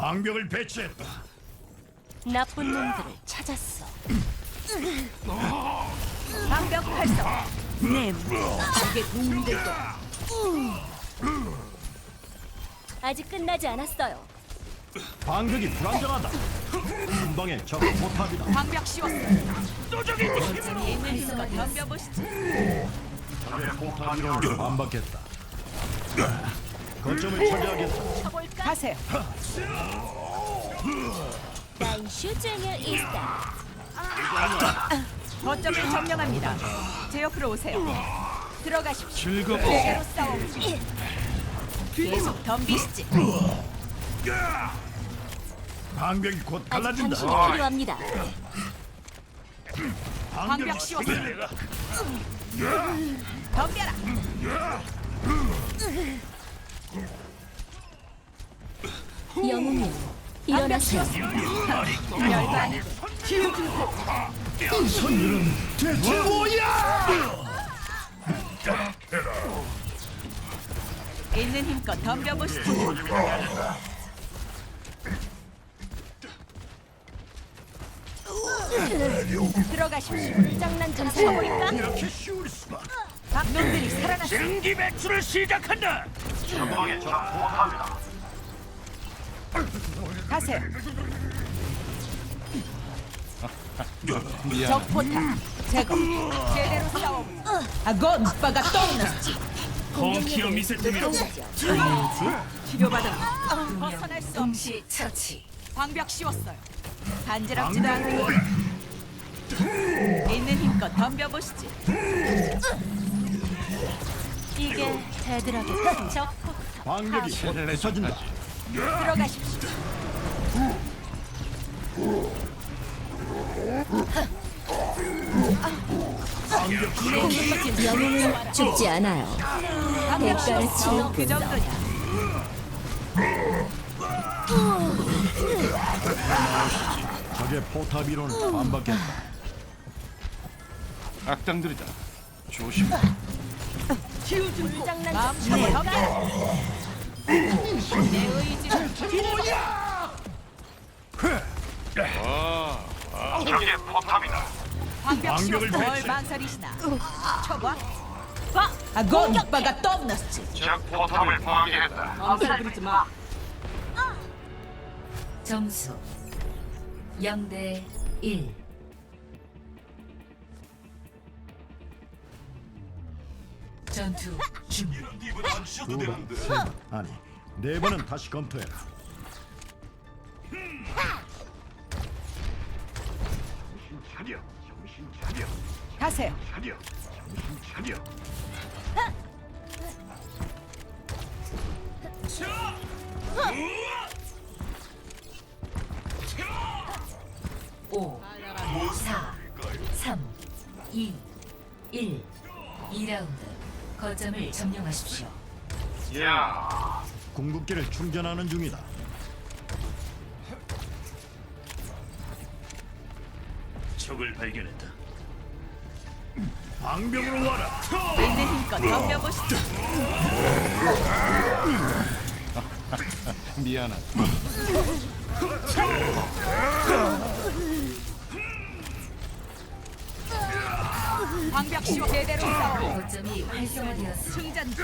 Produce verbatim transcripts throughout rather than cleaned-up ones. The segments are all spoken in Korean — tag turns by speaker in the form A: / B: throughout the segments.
A: 방벽을 배치했다.
B: 나쁜 놈들을 찾았어.
C: 방벽 활성. 네, 이게 도움될 거야.
B: 아직 끝나지 않았어요.
A: 방벽이 불안정하다. 한방에 적 포탑이다.
C: 방벽 씌웠어. 거점이 있는 힘껏 덤벼보시지.
A: 적의 포탑 이론을 반박했다. 거점을 차지하겠다.
C: 쳐볼까? 가세요.
B: 난 슈쟁의 이스타.
C: 거점을 점령합니다. 제 옆으로 오세요. 들어가십시오.
A: 즐겁고
C: 제대로 싸워보지. 계속 덤비시지.
A: 방벽이 곧
B: 아직
A: 갈라진다.
B: 당신이 필요합니다.
C: 방벽 씌웠어. 덤벼라.
B: 영웅님,
C: 방벽
B: 일어나세요.
C: 씌웠습니다. 별거 아니고.
A: 이 선율은 대체 뭐야?
C: 있는 힘껏 덤벼보시지. 들어가십시오.
B: 장난 좀 쳐볼까?
A: 이렇게 쉬울 수가.
C: 박놈들이 살아났어.
A: 신기 배출을 시작한다.
C: 가세요. 적 포탑 제거. 제대로 싸워보자. 아건 오빠가 떠올랐지.
A: 펑키어 미세팀이라고.
C: 치료받아. 벗어날 수 없이 처치. 방벽 씌웠어요. 간지럽지도 않고. 있는 힘껏 덤벼보시지.
B: 이게 되더라겠다. 적
A: 방벽이 곧 부서진다.
C: 들어가십시오.
B: 영웅은 죽지 않아요.
C: 방벽
B: 대가를
C: 씌웠어.
B: 치르고
C: 그 정도냐.
A: 적의 포탑 이론을 반박했다.
D: 악당들이다. 조심.
B: 장난
C: 마음 좀 덤벼. 내 의지를
D: 적의 포탑이다.
C: 방벽
A: 방벽을
C: 씌웠어. 뭘
A: 배치.
C: 망설이시나. 쳐봐. 봐. 아건 오빠가 떠올랐지.
D: 적 포탑을 파괴했다.
C: 엄살 부리지 마.
E: 점수 영 대 일. 전투 준비.
A: 두 번, 세 번, 아니 네 번은 다시 검토해라. 정신 차려, 정신 차려,
C: 가세요.
A: 차려, 정신 차려.
E: 오, 사, 삼, 이, 일. 이 라운드 거점을 점령하십시오.
D: 야,
A: 궁극기를 충전하는 중이다. 적을 발견했다. 방벽으로 와라.
C: 있는 힘껏 덤벼보시지.
D: 미안하다.
C: 방벽 씌워 제대로 싸워.
E: 거점이 활성화되었습니다.
C: 충전.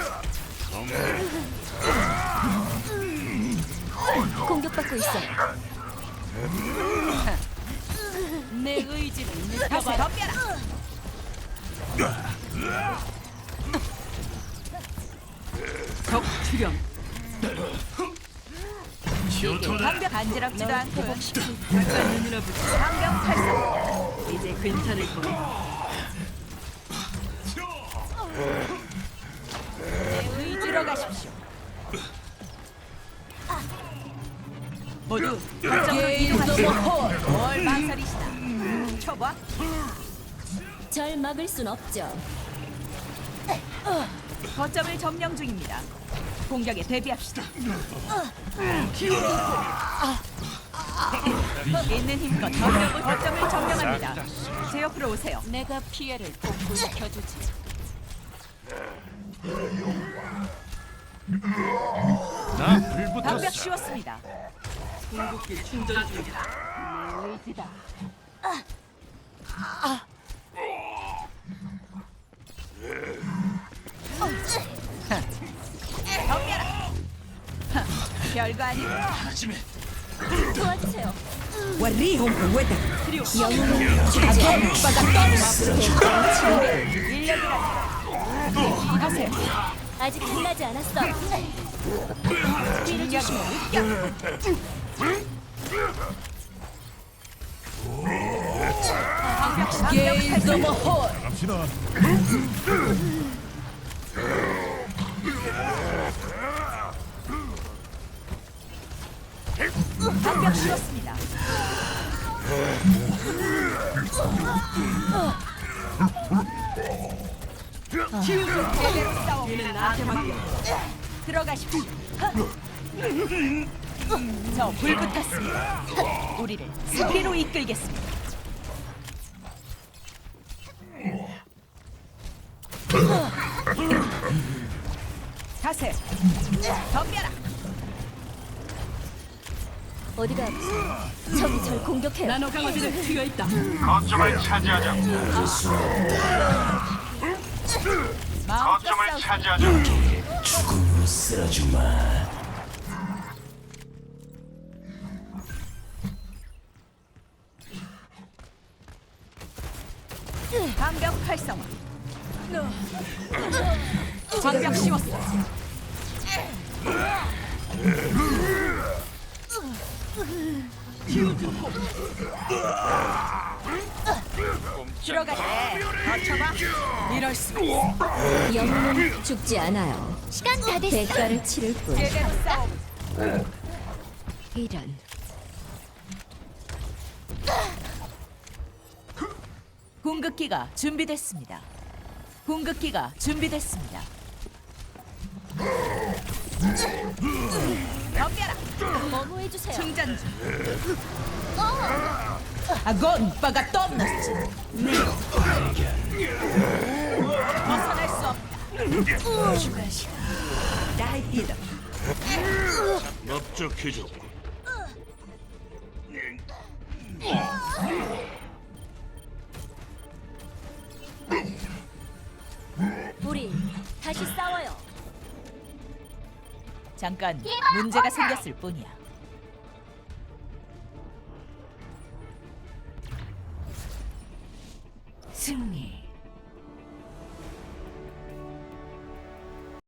B: 공격받고 있어요.
C: 내 의지를 느껴봐. 덤벼라. 적 출현. 방벽 간지럽지도 않고. 잠깐 눈으로 보자. 방벽 활성. 이제 괜찮을 거야. 내 의지로 가십시오. 모두 거점으로 이동하시오. 뭘 망설이시나. 쳐봐.
B: 절 막을 순 없죠.
C: 거점을 점령 중입니다. 공격에 대비합시다. 있는 힘껏 점령을 거점을 점령합니다. 제 옆으로 오세요. 내가 피해를 복구시켜주지.
D: 나 불붙었어.
C: 방벽 씌웠습니다. 덤벼라. 하, 별거 아니야.
B: 도와주세요.
F: وريهم قوتك
B: 영웅은 죽지 않아요.
C: 하세요.
B: 아직 끝나지 않았어.
C: 진격의 습격.
F: Gaze the mahal
A: 갑시다.
C: 방벽 씌웠습니다. 제대로 싸워. 나한테 맡겨. 들어가십시오. 저 불 붙었습니다. 우리를 승리로 이끌겠습니다. 가세. 덤벼라.
B: 어디가 아프세요? 적이 절 공격해요.
F: 나노 강화제를 튀어 있다
D: 거점을 차지하자.
C: 마음껏
D: 거점을
C: 싸우.
D: 차지하자.
C: 방벽 활성화. 방벽 씌웠어. 들어가래. 거쳐봐. 이럴 수가 있어.
B: 영웅은 죽지 않아요. 시간 다 됐어. 대가를 치를 뿐.
C: 제대로 싸워.
B: 이런.
C: 궁극기가 준비됐습니다. 궁극기가 준비됐습니다. 덤벼라.
B: 뭐뭐 해주세요.
C: 충전 중. 아건 바가 떴났지. 벗어날 수 없다.
E: 추가 시간
C: 나이디다.
D: 넓적해졌고.
B: 우리 다시 싸워요.
C: 잠깐 문제가 생겼을 뿐이야.